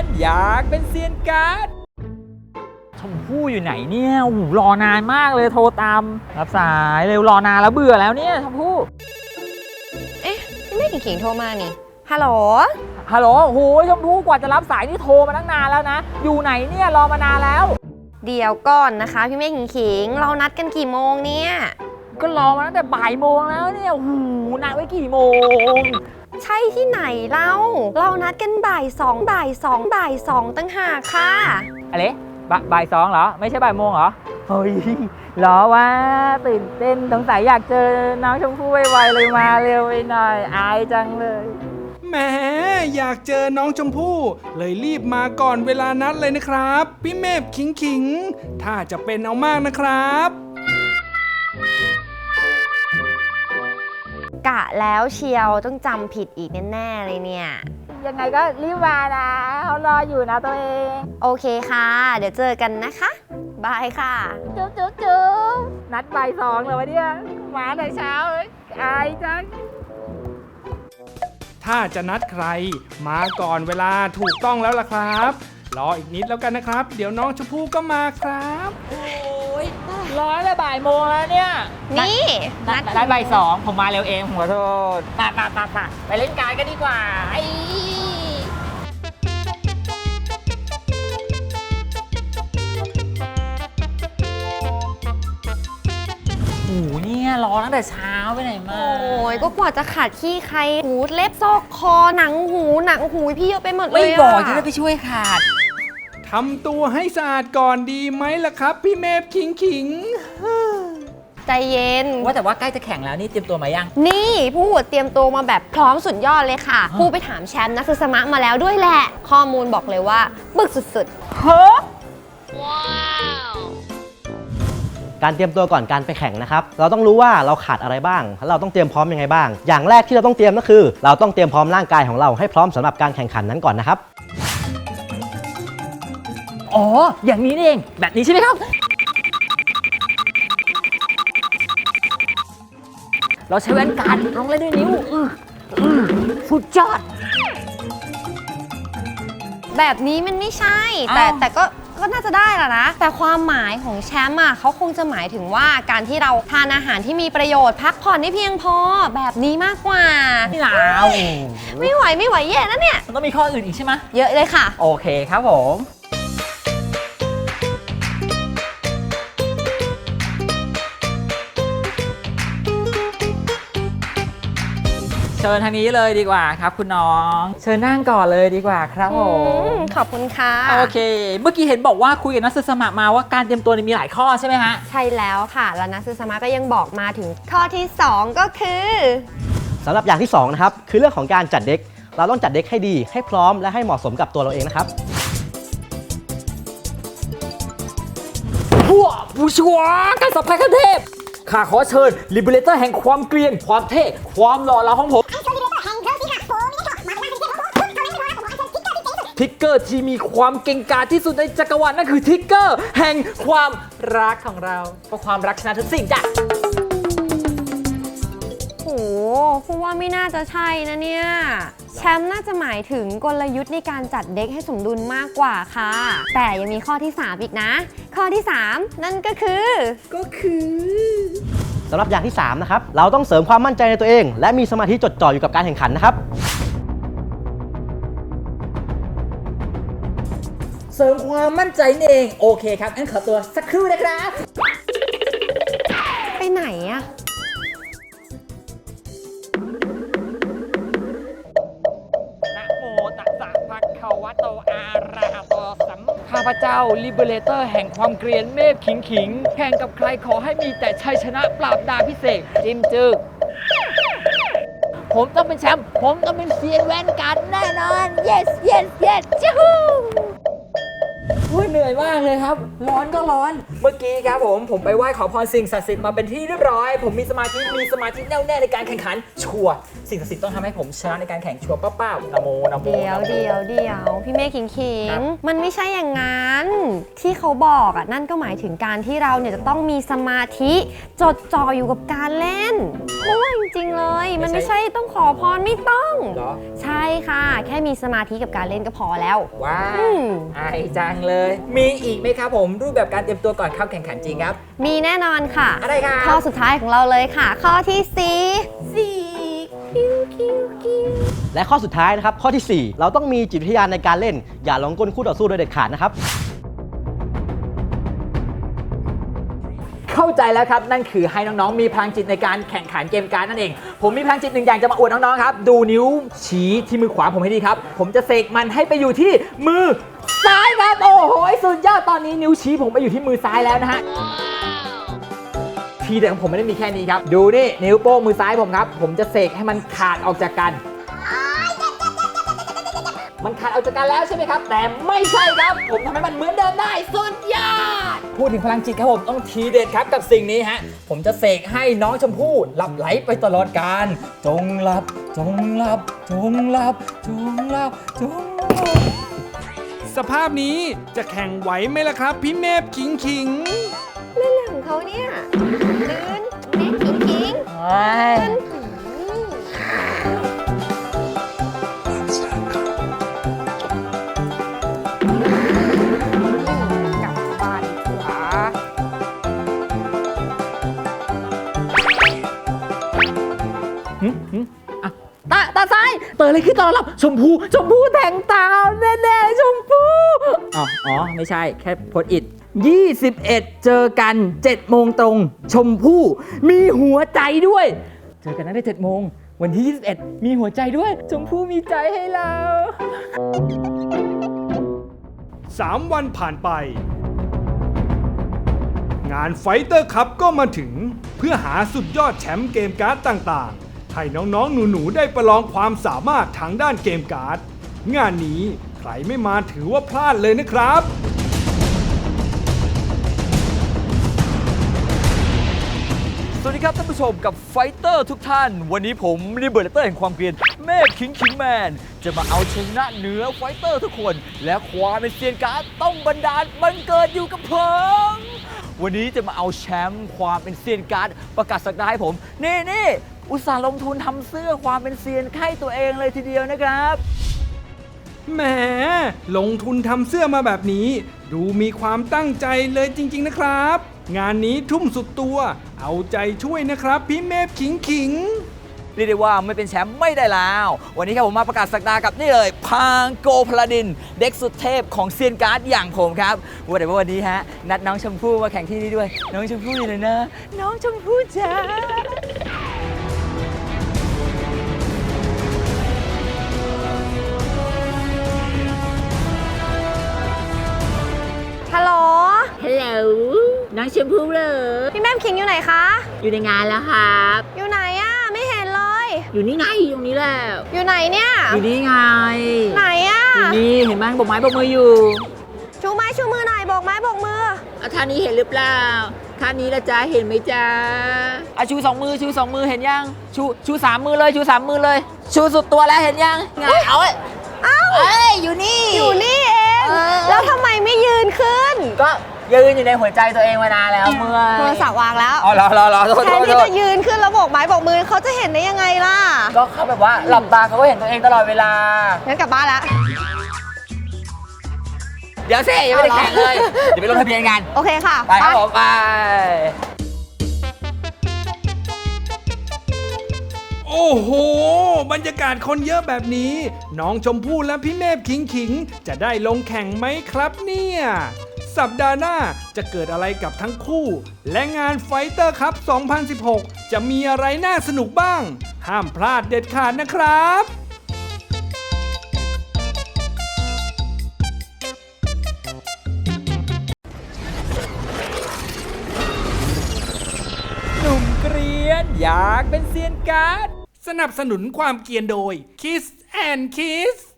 อยากเป็นเซียนการ์ดชมพู่อยู่ไหนเนี่ยโอ้โหรอนานมากเลยโทรตามรับสายเร็วรอนานแล้วเบื่อแล้วเนี่ยชมพู่เอ๊ะพี่ไม่ขิงๆโทรมานี่ฮัลโหลฮัลโหลโอ้โหชมพู่กว่าจะรับสายนี่โทรมาตั้งนานแล้วนะอยู่ไหนเนี่ยรอมานานแล้วเดี๋ยวก่อนนะคะพี่เมฆขิงๆเรานัดกันกี่โมงเนี่ยก็รอมาตั้งแต่บ่ายโมงแล้วเนี่ยโอ้โหนัดไว้กี่โมงใช่ที่ไหนเรานัดกันบ่ายสองตั้งหากค่ะอะไรบ่ายสองเหรอไม่ใช่บ่ายโมงเหรอเฮ้ยรอว่าตื่นเต้นสงสัยอยากเจอน้องชมพู่ไวๆเลยมาเร็วไปหน่อยอายจังเลยแหมอยากเจอน้องชมพู่เลยรีบมาก่อนเวลานัดเลยนะครับพี่เมฆขิงถ้าจะเป็นเอามากนะครับกะแล้วเชียวต้องจำผิดอีกแน่ๆเลยเนี่ยยังไงก็รีบมานะเขารออยู่นะตัวเองโอเคค่ะเดี๋ยวเจอกันนะคะบายค่ะจุ๊บนัดบ่ายสองเลยวะเนี่ยมาแต่เช้าเลยอายจังถ้าจะนัดใครมาก่อนเวลาถูกต้องแล้วล่ะครับรออีกนิดแล้วกันนะครับเดี๋ยวน้องชมพู่ก็มาครับโอ้ยร้อยละบ่ายโมงแล้วเนี่ยนี่นัดบ่ายสองผมมาเร็วเองผมขอโทษไปเล่นการกันดีกว่าโอ้โหเนี่ยรอตั้งแต่เช้าไปไหนมาโอ้ยก็กว่าจะขาดขี้ใครหูเล็บซอกคอหนังหูพี่เยอะไปหมดเลยไม่บอกจะได้ไปช่วยขาดทำตัวให้สะอาดก่อนดีไหมล่ะครับพี่เมฆขิงใจเย็นว่าแต่ว่าใกล้จะแข่งแล้วนี่เตรียมตัวมายังนี่ผู้เตรียมตัวมาแบบพร้อมสุดยอดเลยค่ะผู้ไปถามแชมป์นักศึกษามะมาแล้วด้วยแหละข้อมูลบอกเลยว่าบึกสุดๆเฮ้อว้าวการเตรียมตัวก่อนการไปแข่งนะครับเราต้องรู้ว่าเราขาดอะไรบ้างแล้วเราต้องเตรียมพร้อมยังไงบ้างอย่างแรกที่เราต้องเตรียมก็คือเราต้องเตรียมพร้อมร่างกายของเราให้พร้อมสำหรับการแข่งขันนั้นก่อนนะครับอ๋ออย่างนี้เองแบบนี้ใช่ไหมครับเราใช้แว่นกันลงเลยด้วยนิ้วสุดยอดแบบนี้มันไม่ใช่แต่ก็น่าจะได้แหละนะแต่ความหมายของแชมป์อ่ะเขาคงจะหมายถึงว่าการที่เราทานอาหารที่มีประโยชน์พักผ่อนให้เพียงพอแบบนี้มากกว่าไม่หนาวไม่ไหวแย่นะเนี่ยมันต้องมีข้ออื่นอีกใช่ไหมเยอะเลยค่ะโอเคครับผมเชิญทางนี้เลยดีกว่าครับคุณน้องเชิญนั่งก่อนเลยดีกว่าครับผมขอบคุณค่ะโอเคเมื่อกี้เห็นบอกว่าคุยกับนักศึกษามาว่าการเตรียมตัวมีหลายข้อใช่ไหมฮะใช่แล้วค่ะแล้วนักศึกษาก็ยังบอกมาถึงข้อที่2ก็คือสำหรับอย่างที่2นะครับคือเรื่องของการจัดเด็กเราต้องจัดเด็กให้ดีให้พร้อมและให้เหมาะสมกับตัวเราเองนะครับผู้ชัวการสับไพ่ขั้นเทพข้าขอเชิญลิเบเลเตอร์แห่งความเกรียนความเท่ความหล่อเหลาของผมทิกเกอร์ที่มีความเก่งกาจที่สุดในจักรวาลนั่นคือทิกเกอร์แห่งความรักของเราเพราะความรักชนะทุกสิ่งจ้ะโอ้พูดว่าไม่น่าจะใช่นะเนี่ยแชมป์น่าจะหมายถึงกลยุทธ์ในการจัดเด็กให้สมดุลมากกว่าค่ะแต่ยังมีข้อที่3อีกนะข้อที่3นั่นก็คือสำหรับอย่างที่3นะครับเราต้องเสริมความมั่นใจในตัวเองและมีสมาธิจดจ่ออยู่กับการแข่งขันนะครับเสริมความมั่นใจเองโอเคครับงั้นขอตัวสักครู่นะครับไปไหนอะนะโมตัสสะภะคะวะโตอะระหะโตสัมมาข้าพเจ้าลิเบเลเตอร์แห่งความเกรียนเมฆขิงแข่งกับใครขอให้มีแต่ชัยชนะปราบดาพิเศษจิ้มจึกผมต้องเป็นแชมป์ผมต้องเป็นเซียนแว่นกันแน่นอน yes จู้เหนื่อยมากเลยครับ ร้อนก็ร้อน เมื่อกี้ครับผมไปไหว้ขอพรสิ่งศักดิ์สิทธิ์มาเป็นที่เรียบร้อย ผมมีสมาธิแน่วแน่ในการแข่งขันชัวร์สิ่งศักดิ์สิทธิ์ต้องทำให้ผมชนะในการแข่งชัวร์เป้าๆนะโมนะโมเดี๋ยวพี่เมฆขิงครับมันไม่ใช่อย่างนั้น ที่เขาบอกอ่ะนั่นก็หมายถึงการที่เราเนี่ยจะต้องมีสมาธิจดจ่ออยู่กับการเล่นโอ้ยจริงๆเลย มันไม่ใช่ต้องขอพรไม่ต้องเหรอใช่ค่ะ แค่มีสมาธิกับการเล่นก็พอแล้วว้าอืวมไอจังเลย มีอีกไหมครับผมรูปแบบการเตรียมตัวก่อนเข้าแข่งขันจริงครับมีแน่นอนค่ะอะไรครับข้อสุดท้ายของเราเลยค่ะ ข้อที่4คิวและข้อสุดท้ายนะครับข้อที่ 4 เราต้องมีจิตวิทยาในการเล่น อย่าหลงกลคู่ต่อสู้โดยเด็ดขาดนะครับเข้าใจแล้วครับ นั่นคือให้น้องๆมีพลังจิตในการแข่งขันเกมการดนั่นเอง ผมมีพลังจิตหนึ่งอย่างจะมาอวดน้องๆครับดูนิ้วชี้ที่มือขวาผมให้ดีครับผมจะเสกมันให้ไปอยู่ที่มือซ้ายครับโอ้โหสุดยอดตอนนี้นิ้วชี้ผมไปอยู่ที่มือซ้ายแล้วนะฮะทีเด็ดของผมไม่ได้มีแค่นี้ครับดูนี่นิ้วโป้งมือซ้ายผมครับผมจะเสกให้มันขาดออกจากกัน มันขาดออกจากกันแล้วใช่ไหมครับแต่ไม่ใช่ครับผมทำให้มันเหมือนเดิมได้สุดยอดพูดถึงพลังจิตครับผมต้องทีเด็ดครับกับสิ่งนี้ฮะผมจะเสกให้น้องชมพู่หลับไหลไปตลอดกาลจงหลับจงหลับจงหลับจงหลับจงหลับสภาพนี้จะแข่งไหวไหมล่ะครับ พี่เมฟขิงเรื่องของเขาเนี่ยลื่นเม็ดขิงเฮ้ยกลับบ้านขวาตาซ้ายเปิดเลยขึ้นตอนหลับชมพู่แต่งตาแน่ๆชมพู่อ๋อไม่ใช่แค่โพสต์อิท21 เจอกัน7 โมงตรง ชมพู่มีหัวใจด้วย เจอกันนั้นได้7 โมง วันที่ 21 มีหัวใจด้วย ชมพู่มีใจให้เราๆ 3 วันผ่านไป งานไฟเตอร์คัพก็มาถึงเพื่อหาสุดยอดแชมป์เกมการ์ดต่างๆ ให้น้องๆหนูๆได้ประลองความสามารถทางด้านเกมการ์ดงานนี้ใครไม่มาถือว่าพลาดเลยนะครับสวัสดีครับท่านผู้ชมกับไฟเตอร์ทุกท่าน วันนี้ผมรีเบิร์ตเตอร์แห่งความเกรียนเมฆคิงแมนจะมาเอาชนะเหนือไฟเตอร์ทุกคน และความเป็นเซียนการ์ดต้องบันดาลบังเกิดอยู่กับผมวันนี้จะมาเอาแชมป์ความเป็นเซียนการ์ดประกาศศักดาให้ผมนี่อุตส่าห์ลงทุนทำเสื้อความเป็นเซียนให้ตัวเองเลยทีเดียวนะครับแหมลงทุนทำเสื้อมาแบบนี้ ดูมีความตั้งใจเลยจริงๆนะครับ งานนี้ทุ่มสุดตัว เอาใจช่วยนะครับ พี่เมฟขิงเรียกได้ว่าไม่เป็นแชมป์ไม่ได้แล้ว วันนี้ครับผมมาประกาศศักดากับนี่เลยพางโกพลาดิน เด็กสุดเทพของเซียนการ์ดอย่างผมครับว่าแต่ว่าวันนี้ฮะนัดน้องชมพู่มาแข่งที่นี่ด้วย น้องชมพู่อยู่เลยนะ น้องชมพู่จ้าฮัลโหลฮัลโหลน้องชมพู่เหรอพี่แม่ขิงอยู่ไหนคะอยู่ในงานแล้วครับอยู่ไหนอะไม่เห็นเลยอยู่นี่ไงอยู่ตรงนี้แล้วอยู่ไหนเนี่ยอยู่นี่ไงไหนอะอยู่นี่เห็นไหมบอกไม้บอกมืออยู่ชูไม้ชูมือหน่อยโบกไม้โบกมือเอาท่านี้เห็นหรือเปล่าท่านี้ละจ้าเห็นไหมจ้าชู2 มือชู2 มือเห็นยังชู3 มือเลยชู3 มือเลย ชูสุดตัวแล้วเห็นยังไงเอาเอ้ยเอ้าเอ้ยอยู่นี่อยู่นี่เองเออแล้วทำไมไม่ยืนขึ้นก็ยืนอยู่ในหัวใจตัวเองมานานแล้วเมื่อโทรศัพท์วางแล้วอ๋อรอโทษแทนที่จะยืนขึ้นแล้วโบกไม้โบกมือเขาจะเห็นได้ยังไงล่ะก็เขาแบบว่าหลับตาเขาก็เห็นตัวเองตลอดเวลางั้นกลับบ้านละเดี๋ยวสิยังไม่ได้แข่งเลย เดี๋ยวไปลงทะเบียนกันโอเคค่ะไปครับผมไปโอ้โห บรรยากาศคนเยอะแบบนี้ น้องชมพู่และพี่เมฟขิงจะได้ลงแข่งไหมครับเนี่ย สัปดาห์หน้าจะเกิดอะไรกับทั้งคู่ และงานไฟเตอร์คัพ 2016 จะมีอะไรน่าสนุกบ้าง ห้ามพลาดเด็ดขาดนะครับหนุ่มเกรียนอยากเป็นเซียนการ์ดสนับสนุนความเกรียนโดย Kiss and Kiss